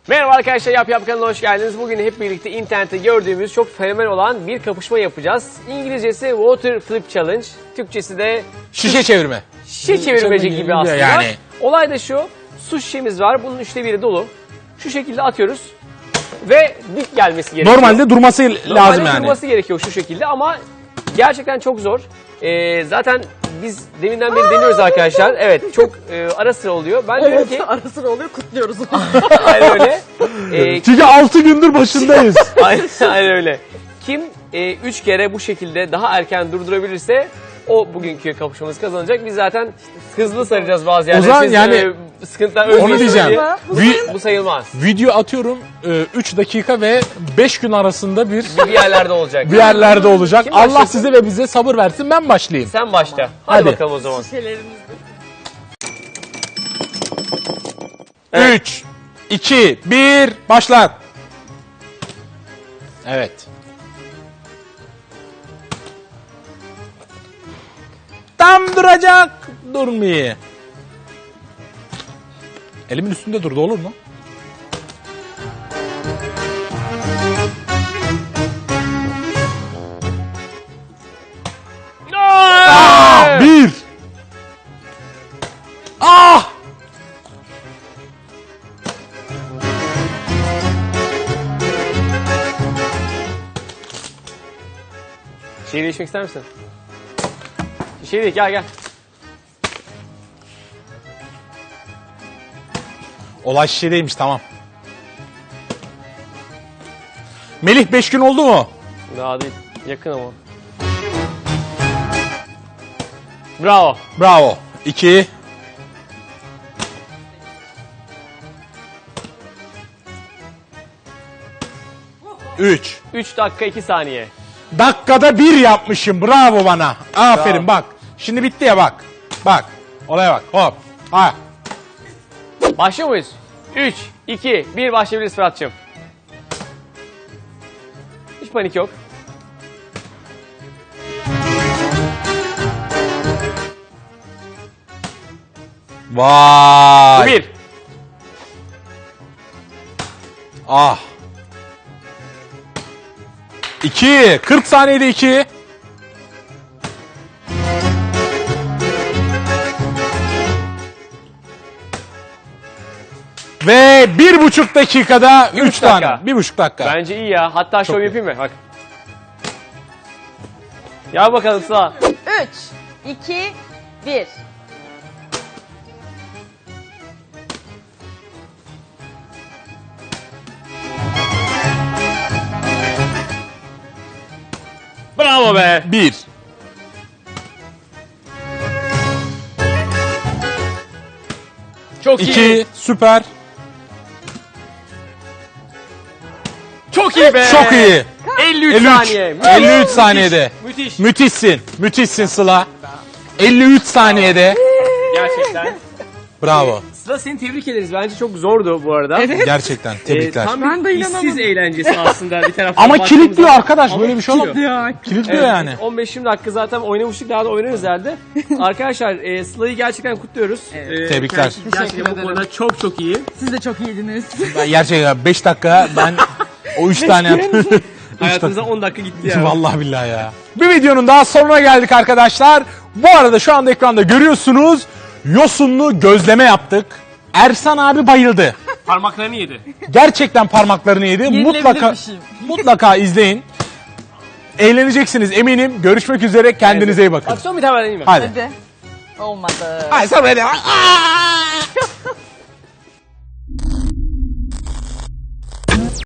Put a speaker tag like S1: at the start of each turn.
S1: Merhaba arkadaşlar, Yap kanalına hoş geldiniz. Bugün hep birlikte internette gördüğümüz çok fenomen olan bir kapışma yapacağız. İngilizcesi Water Flip Challenge, Türkçesi de
S2: şişe çevirme.
S1: şişe çevirmece gibi aslında.
S2: Yani.
S1: Olay da şu, su şişemiz var, bunun 1/3 dolu. Şu şekilde atıyoruz ve dik gelmesi gerekiyor.
S2: Normalde durması lazım yani.
S1: Durması gerekiyor şu şekilde ama gerçekten çok zor. Zaten biz deminden beri deniyoruz arkadaşlar. Evet, çok ara sıra oluyor. Ben diyorum ki...
S3: Ara sıra oluyor, kutluyoruz.
S1: Aynen öyle.
S2: Çünkü 6 gündür başındayız.
S1: Aynen öyle. Kim 3 kere bu şekilde daha erken durdurabilirse o bugünkü kapışmamızı kazanacak. Biz zaten hızlı saracağız bazı yerlere.
S2: O zaman
S1: Siz,
S2: yani
S1: sıkıntılar
S2: onu
S1: ölmeyin
S2: diyeceğim.
S1: diye. Bu sayılmaz.
S2: Video atıyorum 3 dakika ve 5 gün arasında
S1: Bir yerlerde olacak.
S2: bir yerlerde olacak.
S1: Kim
S2: Allah
S1: başlasın?
S2: size ve bize sabır versin, ben başlayayım.
S1: Sen başla. Hadi,
S2: Hadi.
S1: bakalım o zaman.
S3: Şişelerimizde.
S2: 3, 2, 1, başlat. Evet. Tam duracak. Durmuyor. Elimin üstünde durdu, olur mu?
S1: Aa!
S2: Bir. Ah!
S1: Şey değişmek ister misin? Şey değil, gel.
S2: Olay şişedeymiş, tamam. Melih 5 gün oldu mu?
S1: Daha değil. Yakın ama. Bravo.
S2: Bravo. 2. Üç.
S1: 3 dakika 2 saniye.
S2: Dakikada 1 yapmışım. Bravo bana. Aferin, bak. Şimdi bitti ya, bak. Bak. Olaya bak. Hop. Ha.
S1: Başlıyor muyuz? 3, 2, 1 başlayabiliriz Fırat'cığım. Hiç panik yok.
S2: Vay.
S1: 1.
S2: Ah. 2. 40 saniyede 2. Ve 1,5 dakikada 3 tane.
S1: dakika.
S2: 1,5 dakika.
S1: Bence iyi ya. Hatta şov
S2: iyi.
S1: yapayım mı? Bak. Gel bakalım Sıla.
S3: 3, 2, 1.
S1: Bravo be.
S2: 1.
S1: Çok iyi.
S2: 2. Süper.
S1: Çok iyi be.
S2: Çok iyi.
S1: 53
S2: 53.
S1: saniye.
S2: 53 saniyede.
S1: Müthiş.
S2: Müthişsin. Müthişsin Sıla. 53 saniyede.
S1: Gerçekten.
S2: Bravo.
S1: Sıla, seni tebrik ederiz. Bence çok zordu bu arada.
S2: Gerçekten tebrikler.
S1: Tam
S3: Ben de
S1: bir işsiz
S3: inanamadım.
S1: eğlencesi aslında bir taraftan.
S2: Ama
S1: baktığımız
S2: kilitliyor
S1: zaman.
S2: arkadaş.
S1: Ama
S2: Böyle bir şey olamaz.
S3: Ya.
S2: Kilitliyor
S1: Evet,
S2: yani.
S1: 15-20 dakika zaten oynamıştık, daha da oynarız herhalde. Arkadaşlar Sıla'yı gerçekten kutluyoruz.
S2: Tebrikler.
S1: Kendisi gerçekten bu konuda çok iyi.
S3: Siz de çok iyiydiniz.
S2: Ben gerçekten 5 dakika ben o 3 tane yaptım.
S1: Hayatımıza 10 dakika gitti ya.
S2: Vallahi billahi ya. Bir videonun daha sonuna geldik arkadaşlar. Bu arada şu anda ekranda görüyorsunuz. Yosunlu gözleme yaptık. Ersan abi bayıldı.
S1: Parmaklarını yedi.
S2: Gerçekten parmaklarını yedi.
S3: Yenilebilir bir şey.
S2: Mutlaka izleyin. Eğleneceksiniz eminim. Görüşmek üzere. Kendinize iyi bakın.
S1: Bak son bir tane vereyim mi?
S2: Hadi.
S3: Hadi. Olmadı.
S2: Hayır, sen böyle. Aa!